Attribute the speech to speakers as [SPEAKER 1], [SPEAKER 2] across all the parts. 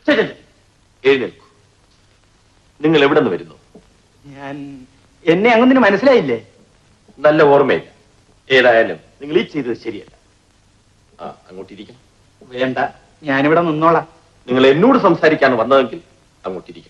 [SPEAKER 1] എഴുന്നേൽക്കൂ. നിങ്ങൾ എവിടെ നിന്ന് വരുന്നു?
[SPEAKER 2] എന്നെ അങ്ങനെ മനസ്സിലായില്ലേ?
[SPEAKER 1] നല്ല ഓർമ്മയില്ല. ഏതായാലും നിങ്ങൾ ഈ ചെയ്തത് ശരിയല്ല. അങ്ങോട്ടിരിക്കണം.
[SPEAKER 2] വേണ്ട, ഞാനിവിടെ നിന്നോളാം.
[SPEAKER 1] നിങ്ങൾ എന്നോട് സംസാരിക്കാൻ വന്നതെങ്കിൽ അങ്ങോട്ടിരിക്കണം.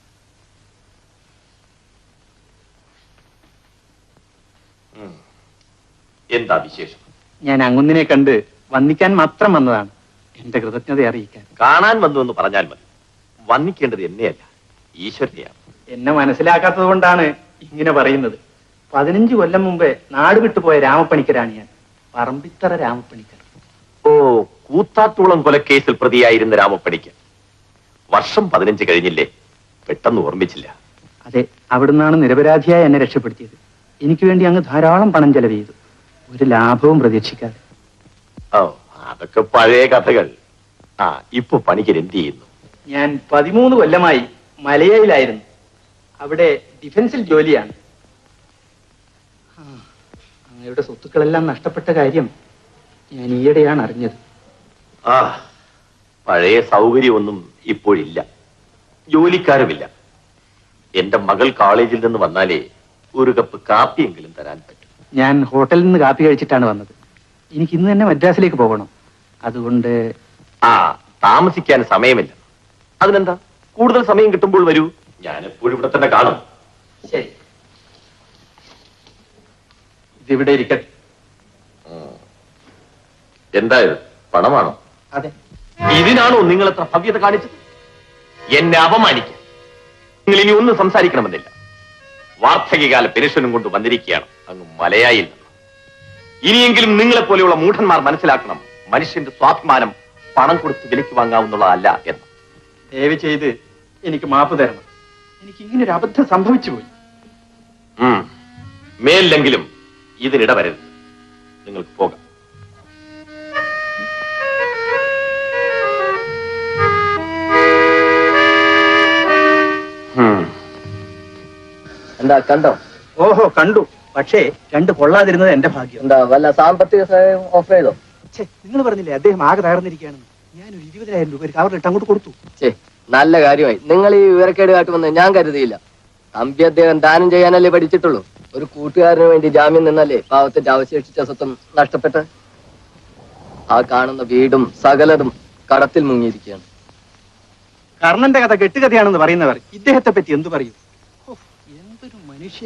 [SPEAKER 1] എന്താ വിശേഷം?
[SPEAKER 2] ഞാൻ അങ്ങുന്നിനെ കണ്ട് വന്നിക്കാൻ മാത്രം വന്നതാണ്. എന്റെ കൃതജ്ഞത അറിയിക്കാൻ.
[SPEAKER 1] കാണാൻ വന്നു എന്ന് പറഞ്ഞാൽ മതി. വന്നിക്കേണ്ടത് എന്നെയല്ല, ഈശ്വരനെയാണ്.
[SPEAKER 2] എന്നെ മനസ്സിലാക്കാത്തത് കൊണ്ടാണ് ഇങ്ങനെ പറയുന്നത്. 15 കൊല്ലം മുമ്പേ നാട് വിട്ടുപോയ രാമപ്പണിക്കരാണ് ഞാൻ. പറമ്പിത്തറ രാമപ്പണിക്കർ.
[SPEAKER 1] ഓ, കൂത്താട്ടുകുളം കൊലക്കേസിൽ പ്രതിയായിരുന്ന രാമപ്പണിക്കർ. വർഷം 15 കഴിഞ്ഞില്ലേ? പെട്ടെന്ന് ഓർമ്മിച്ചില്ല.
[SPEAKER 2] അതെ, അവിടുന്നാണ് നിരപരാധിയായി എന്നെ രക്ഷപ്പെടുത്തിയത്. എനിക്ക് വേണ്ടി അങ്ങ് ധാരാളം പണം ചെലവ് ചെയ്തു, ഒരു ലാഭവും പ്രതീക്ഷിക്കാതെ.
[SPEAKER 1] ഓ, അതൊക്കെ പഴയ കഥകൾ. ഇപ്പൊ പണിക്കർ എന്ത് ചെയ്യുന്നു?
[SPEAKER 2] ഞാൻ 13 കൊല്ലമായി മലയയിലായിരുന്നു. അവിടെ ഡിഫൻസിൽ ജോലിയാണ്. അങ്ങയുടെ സ്വത്തുക്കളെല്ലാം നഷ്ടപ്പെട്ട കാര്യം ഞാൻ ഈയിടെയാണ് അറിഞ്ഞത്.
[SPEAKER 1] പഴയ സൗകര്യമൊന്നും ഇപ്പോഴില്ല. ജോലിക്കാരുമില്ല. എന്റെ മകൾ കോളേജിൽ നിന്ന് വന്നാലേ ഒരു കപ്പ് കാപ്പിയെങ്കിലും തരാൻ പറ്റും.
[SPEAKER 2] ഞാൻ ഹോട്ടലിൽ നിന്ന് കാപ്പി കഴിച്ചിട്ടാണ് വന്നത്. എനിക്ക് ഇന്ന് തന്നെ മദ്രാസിലേക്ക് പോകണം. അതുകൊണ്ട്
[SPEAKER 1] താമസിക്കാൻ സമയമില്ല. അതിനെന്താ, കൂടുതൽ സമയം കിട്ടുമ്പോൾ വരൂ. ഞാൻ എപ്പോഴും ഇവിടെ തന്നെ കാണും.
[SPEAKER 2] ശരി, ഇതിവിടെ ഇരിക്കട്ടെ.
[SPEAKER 1] എന്തായത്, പണമാണോ?
[SPEAKER 2] അതെ.
[SPEAKER 1] ഇതിനാണോ നിങ്ങൾ എത്ര ഭവ്യത കാണിച്ചത്? എന്നെ അപമാനിക്കാൻ നിങ്ങൾ ഇനി ഒന്നും സംസാരിക്കണമെന്നില്ല. വാർദ്ധക്യകാല പെൻഷനും കൊണ്ട് വന്നിരിക്കുകയാണ് അങ്ങ് മലയായിൽ നിന്ന്. ഇനിയെങ്കിലും നിങ്ങളെപ്പോലെയുള്ള മൂഢന്മാർ മനസ്സിലാക്കണം, മനുഷ്യന്റെ സ്വാഭിമാനം പണം കൊടുത്ത് വിലയ്ക്ക് വാങ്ങാവുന്നതല്ല എന്ന്.
[SPEAKER 2] ദയവ് ചെയ്ത് എനിക്ക് മാപ്പ് തരണം. എനിക്ക് ഇങ്ങനെ ഒരു അബദ്ധം സംഭവിച്ചു പോയി.
[SPEAKER 1] മേലിലെങ്കിലും ഇതിനിട വരരുത്. നിങ്ങൾക്ക് പോകാം.
[SPEAKER 3] എന്താ കണ്ടോ?
[SPEAKER 2] ഓഹോ, കണ്ടു. പക്ഷേ 2 കൊള്ളാതിരുന്നത് എന്റെ ഭാഗ്യം.
[SPEAKER 3] എന്താ വല്ല സാമ്പത്തിക സഹായം ഓഫർ ചെയ്തോ?
[SPEAKER 2] നിങ്ങൾ പറഞ്ഞില്ലേ അദ്ദേഹം ആകെ തകർന്നിരിക്കുകയാണെന്ന്. ഞാനൊരു 20,000 രൂപ ഒരു കവറിലിട്ട് അങ്ങോട്ട് കൊടുത്തു.
[SPEAKER 3] നല്ല കാര്യമായി. നിങ്ങൾ ഈ വിവരക്കേട് കാട്ടുമെന്ന് ഞാൻ കരുതിയില്ല. തമ്പി അദ്ദേഹം ദാനം ചെയ്യാനല്ലേ പഠിച്ചിട്ടുള്ളൂ. ഒരു കൂട്ടുകാരന് വേണ്ടി ജാമ്യം നിന്നല്ലേ പാവത്തിന്റെ അവശേഷിച്ച സ്വത്തും നഷ്ടപ്പെട്ട്. ആ കാണുന്ന വീടും സകലതും കടത്തിൽ മുങ്ങിയിരിക്കുകയാണ്.
[SPEAKER 2] കർണന്റെ കഥ കെട്ടുകഥയാണെന്ന് പറയുന്നവർ ഇദ്ദേഹത്തെ പറ്റി എന്തു പറയും? എന്തൊരു മനുഷ്യൻ!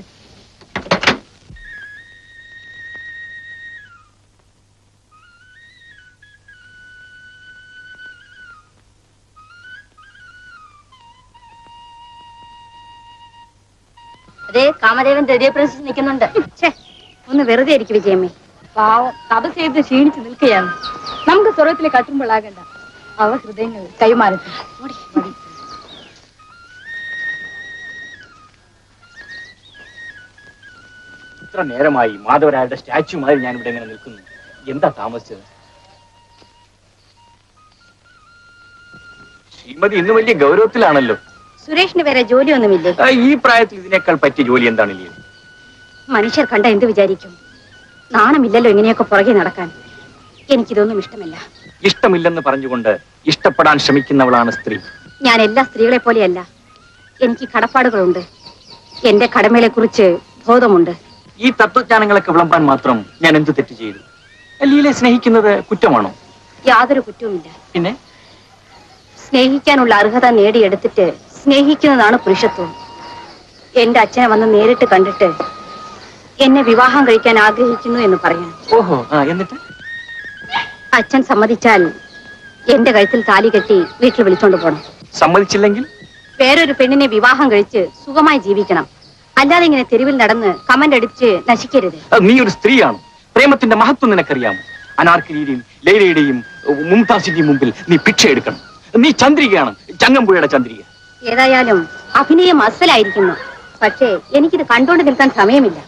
[SPEAKER 4] അതെ, കാമദേവൻ ഹൃദയ പ്രശ്നം നിൽക്കുന്നുണ്ട്. ഒന്ന് വെറുതെ ഇരിക്കും വിജയമ്മേ. പാവം തപസ് ചെയ്ത് ക്ഷീണിച്ച് നിൽക്കുകയാണ്. നമുക്ക് സ്വർഗത്തിലെ കട്ടുമ്പോഴാകണ്ട. അവ ഹൃദയങ്ങൾ കൈമാറട്ടെ.
[SPEAKER 2] ഇത്ര നേരമായി മാധവരായുടെ സ്റ്റാച്യുമായി ഞാൻ ഇവിടെ ഇങ്ങനെ നിൽക്കുന്നു. എന്താ താമസിച്ചത്? ശ്രീമതി ഇന്ന് വലിയ ഗൗരവത്തിലാണല്ലോ.
[SPEAKER 4] സുരേഷിന് വേറെ ജോലിയൊന്നുമില്ലേ?
[SPEAKER 2] ഈ പ്രായത്തിൽ ഇതിനേക്കാൾ പറ്റിയ ജോലി എന്താണില്ലേ?
[SPEAKER 4] മനുഷ്യർ കണ്ട എന്ത് വിചാരിക്കും? നാണമില്ലല്ലോ ഇങ്ങനെയൊക്കെ പുറകെ നടക്കാൻ. എനിക്കിതൊന്നും ഇഷ്ടമല്ല.
[SPEAKER 2] ഇഷ്ടമില്ലെന്ന് പറഞ്ഞുകൊണ്ട് ഇഷ്ടപ്പെടാൻ ശ്രമിക്കുന്നവളാണ് സ്ത്രീ. ഞാൻ
[SPEAKER 4] എല്ലാ സ്ത്രീകളെ പോലെയല്ല. എനിക്ക് കടപ്പാടുകളുണ്ട്. എന്റെ കടമകളെ കുറിച്ച് ബോധമുണ്ട്.
[SPEAKER 2] ഈ തത്വജ്ഞാനങ്ങളൊക്കെ വിളമ്പാൻ മാത്രം ഞാൻ എന്ത് തെറ്റ് ചെയ്തു? ലീലയെ സ്നേഹിക്കുന്നത് കുറ്റമാണോ?
[SPEAKER 4] യാതൊരു കുറ്റവുമില്ല.
[SPEAKER 2] പിന്നെ
[SPEAKER 4] സ്നേഹിക്കാനുള്ള അർഹത നേടിയെടുത്തിട്ട് സ്നേഹിക്കുന്നതാണ് പുരുഷത്വം. എന്റെ അച്ഛനെ വന്ന് നേരിട്ട് കണ്ടിട്ട് എന്നെ വിവാഹം കഴിക്കാൻ ആഗ്രഹിക്കുന്നു എന്ന് പറയാൻ.
[SPEAKER 2] ഓഹോ, എന്നിട്ട്
[SPEAKER 4] അച്ഛൻ സമ്മതിച്ചാൽ എന്റെ കഴുത്തിൽ താലി കെട്ടി വീട്ടിൽ വിളിച്ചോണ്ട് പോകണം.
[SPEAKER 2] സമ്മതിച്ചില്ലെങ്കിൽ
[SPEAKER 4] വേറൊരു പെണ്ണിനെ വിവാഹം കഴിച്ച് സുഖമായി ജീവിക്കണം. അല്ലാതെ ഇങ്ങനെ തെരുവിൽ നടന്ന് കമന്റ് അടിച്ച് നശിക്കരുത്.
[SPEAKER 2] നീ ഒരു സ്ത്രീയാണ്. പ്രേമത്തിന്റെ മഹത്വം നിനക്കറിയാമോ? അനാർക്കലിയുടെയും ലൈലയുടെയും മുംതാസിന്റെയും മുമ്പിൽ നീ ഭിക്ഷ എടുക്കണം. നീ ചന്ദ്രികയാണ്, ചങ്ങമ്പുഴയുടെ ചന്ദ്രിക.
[SPEAKER 4] ഏതായാലും അഭിനയം അസലായിരിക്കുന്നു. പക്ഷേ എനിക്കിത് കണ്ടോണ്ട് നിൽക്കാൻ സമയമില്ല.